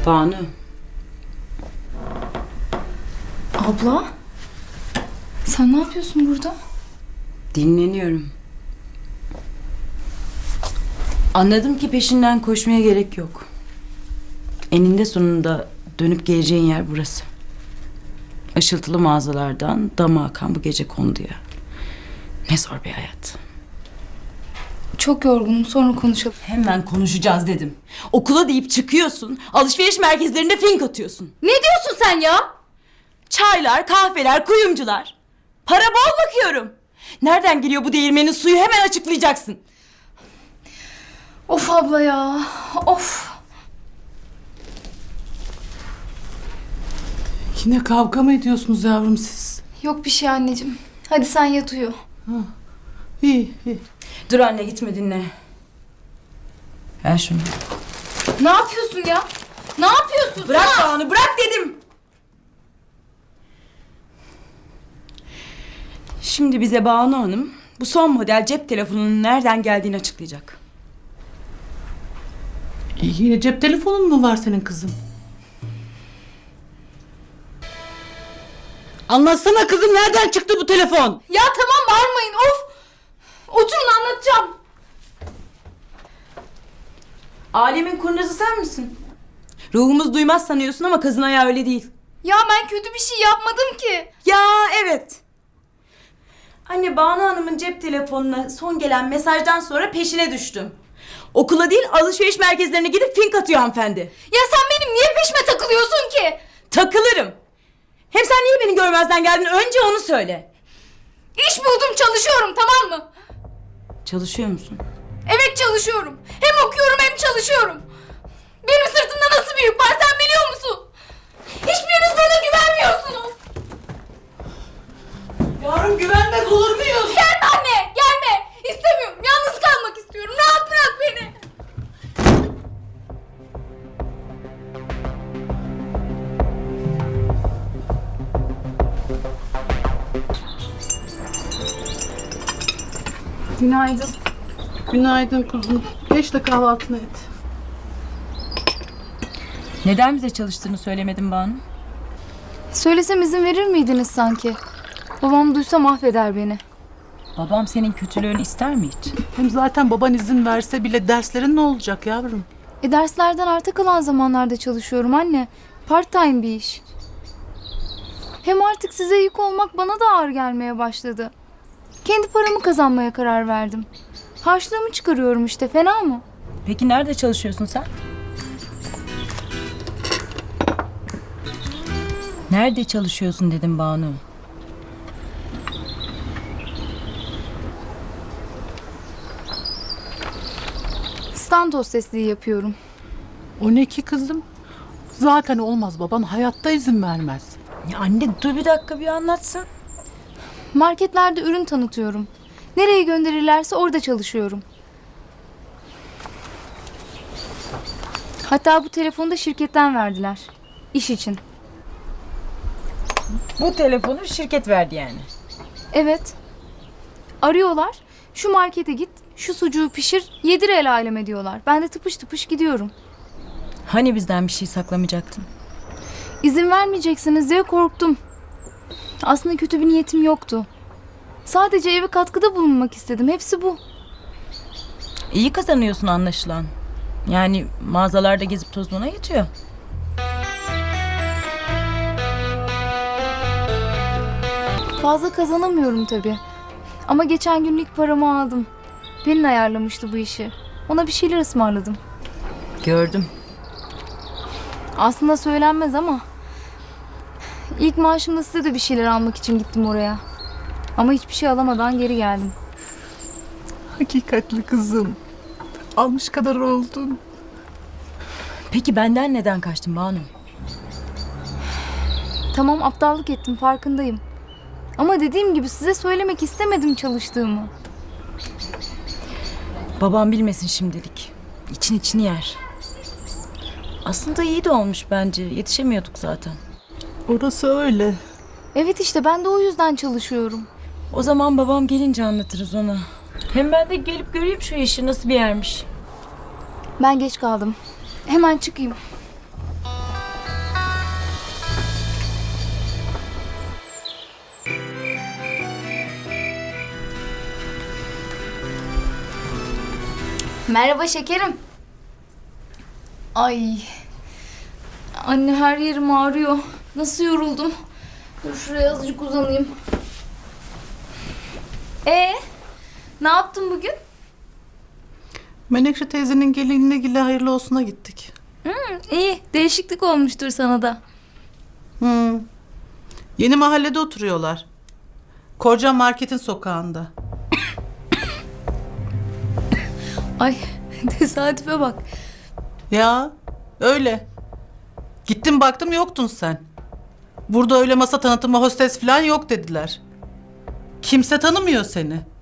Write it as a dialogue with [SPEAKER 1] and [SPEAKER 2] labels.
[SPEAKER 1] Banu.
[SPEAKER 2] Abla, sen ne yapıyorsun burada?
[SPEAKER 1] Dinleniyorum. Anladım ki peşinden koşmaya gerek yok. Eninde sonunda dönüp geleceğin yer burası. Işıltılı mağazalardan dama akan bu gece konduya. Ne zor bir hayat.
[SPEAKER 2] Çok yorgunum, sonra konuşalım.
[SPEAKER 1] Hemen konuşacağız dedim. Okula deyip çıkıyorsun, alışveriş merkezlerinde fink atıyorsun.
[SPEAKER 2] Ne diyorsun sen ya?
[SPEAKER 1] Çaylar, kahveler, kuyumcular. Para bol bakıyorum. Nereden geliyor bu değirmenin suyu hemen açıklayacaksın.
[SPEAKER 2] Of abla ya, of.
[SPEAKER 3] Yine kavga mı ediyorsunuz yavrum siz?
[SPEAKER 2] Yok bir şey anneciğim. Hadi sen yat uyu.
[SPEAKER 3] İyi, iyi.
[SPEAKER 1] Dur anne gitme dinle. Ver şunu.
[SPEAKER 2] Ne yapıyorsun ya? Ne yapıyorsun?
[SPEAKER 1] Bırak Banu bırak dedim. Şimdi bize Banu Hanım bu son model cep telefonunun nereden geldiğini açıklayacak.
[SPEAKER 3] Yine cep telefonun mu var senin kızım? Anlatsana kızım, nereden çıktı bu telefon?
[SPEAKER 2] Ya tamam bağırmayın, of. Oturun anlatacağım.
[SPEAKER 1] Alemin kurnazı sen misin? Ruhumuz duymaz sanıyorsun ama kızın ayağı öyle değil.
[SPEAKER 2] Ya ben kötü bir şey yapmadım ki.
[SPEAKER 1] Ya evet. Anne Banu Hanım'ın cep telefonuna son gelen mesajdan sonra peşine düştüm. Okula değil alışveriş merkezlerine gidip fink atıyor hanımefendi.
[SPEAKER 2] Ya sen benim niye peşime takılıyorsun ki?
[SPEAKER 1] Takılırım. Hem sen niye beni görmezden geldin? Önce onu söyle.
[SPEAKER 2] İş buldum, çalışıyorum, tamam mı?
[SPEAKER 1] Çalışıyor musun?
[SPEAKER 2] Evet çalışıyorum. Hem okuyorum hem çalışıyorum. Benim sırtımda nasıl bir yük var sen biliyor musun? Hiçbiriniz bana güvenmiyorsunuz.
[SPEAKER 3] Yavrum güvenmez olur muyuz?
[SPEAKER 2] Gelme anne, gelme. İstemiyorum, yalnız kalmak istiyorum. Rahat bırak beni. Günaydın.
[SPEAKER 3] Günaydın kuzum. Geç de kahvaltını et.
[SPEAKER 1] Neden bize çalıştığını söylemedin Banu?
[SPEAKER 2] Söylesem izin verir miydiniz sanki? Babam duysa mahveder beni.
[SPEAKER 1] Babam senin kötülüğünü ister mi hiç?
[SPEAKER 3] Hem zaten baban izin verse bile derslerin ne olacak yavrum?
[SPEAKER 2] Derslerden arta kalan zamanlarda çalışıyorum anne. Part time bir iş. Hem artık size yük olmak bana da ağır gelmeye başladı. Kendi paramı kazanmaya karar verdim. Harçlığımı çıkarıyorum işte, fena mı?
[SPEAKER 1] Peki nerede çalışıyorsun sen? Nerede çalışıyorsun dedim Banu.
[SPEAKER 2] Stand hostesliği yapıyorum.
[SPEAKER 3] O ne ki kızım? Zaten olmaz, baban hayatta izin vermez.
[SPEAKER 1] Ya anne dur bir dakika bir anlatsın.
[SPEAKER 2] Marketlerde ürün tanıtıyorum. Nereye gönderirlerse orada çalışıyorum. Hatta bu telefonu da şirketten verdiler. İş için.
[SPEAKER 1] Bu telefonu şirket verdi yani.
[SPEAKER 2] Evet. Arıyorlar. Şu markete git, şu sucuğu pişir, yedir el aleme diyorlar. Ben de tıpış tıpış gidiyorum.
[SPEAKER 1] Hani bizden bir şey saklamayacaktın?
[SPEAKER 2] İzin vermeyeceksiniz diye korktum. Aslında kötü bir niyetim yoktu. Sadece eve katkıda bulunmak istedim. Hepsi bu.
[SPEAKER 1] İyi kazanıyorsun anlaşılan. Yani mağazalarda gezip tozmana yetiyor.
[SPEAKER 2] Fazla kazanamıyorum tabii. Ama geçen gün ilk paramı aldım. Pelin ayarlamıştı bu işi. Ona bir şeyler ısmarladım.
[SPEAKER 1] Gördüm.
[SPEAKER 2] Aslında söylenmez ama ilk maaşımda size de bir şeyler almak için gittim oraya. Ama hiçbir şey alamadan geri geldim.
[SPEAKER 3] Hakikatli kızım. Almış kadar oldun.
[SPEAKER 1] Peki benden neden kaçtın Banu?
[SPEAKER 2] Tamam, aptallık ettim, farkındayım. Ama dediğim gibi size söylemek istemedim çalıştığımı.
[SPEAKER 1] Babam bilmesin şimdilik. İçin içini yer. Aslında iyi de olmuş bence. Yetişemiyorduk zaten.
[SPEAKER 3] Orası öyle.
[SPEAKER 2] Evet işte ben de o yüzden çalışıyorum.
[SPEAKER 1] O zaman babam gelince anlatırız ona. Hem ben de gelip göreyim şu işi nasıl bir yermiş.
[SPEAKER 2] Ben geç kaldım. Hemen çıkayım. Merhaba şekerim. Ay. Anne her yerim ağrıyor. Nasıl yoruldum. Dur şuraya azıcık uzanayım. Ne yaptın bugün?
[SPEAKER 3] Menekşe teyzenin gelinine gille hayırlı olsuna gittik.
[SPEAKER 2] İyi, değişiklik olmuştur sana da.
[SPEAKER 3] Yeni mahallede oturuyorlar. Korcan Market'in sokağında.
[SPEAKER 2] Ay, tesadüfe bak.
[SPEAKER 3] Ya öyle. Gittim baktım yoktun sen. Burada öyle masa tanıtımı hostes falan yok dediler. Kimse tanımıyor seni.